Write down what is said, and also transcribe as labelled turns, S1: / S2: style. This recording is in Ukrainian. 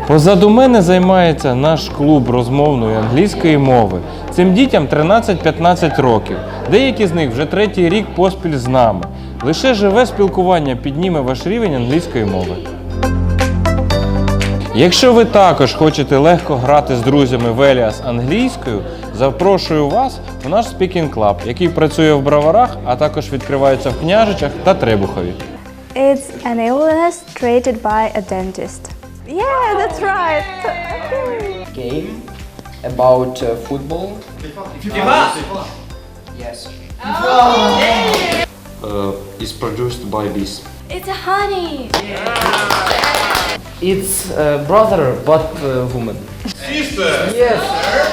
S1: Позаду мене займається наш клуб розмовної англійської мови. Цим дітям 13-15 років. Деякі з них вже третій рік поспіль з нами. Лише живе спілкування підніме ваш рівень англійської мови. Якщо ви також хочете легко грати з друзями в Еліас англійською, запрошую вас у наш Speaking Club, який працює в Броварах, а також відкривається в Княжичах та Требухові.
S2: It's an illness treated by a dentist. Yeah, that's right.
S3: Game about football. Yes.
S1: Is produced by bees.
S2: It's a honey.
S3: It's brother, but woman.
S4: Sister!
S3: Yes.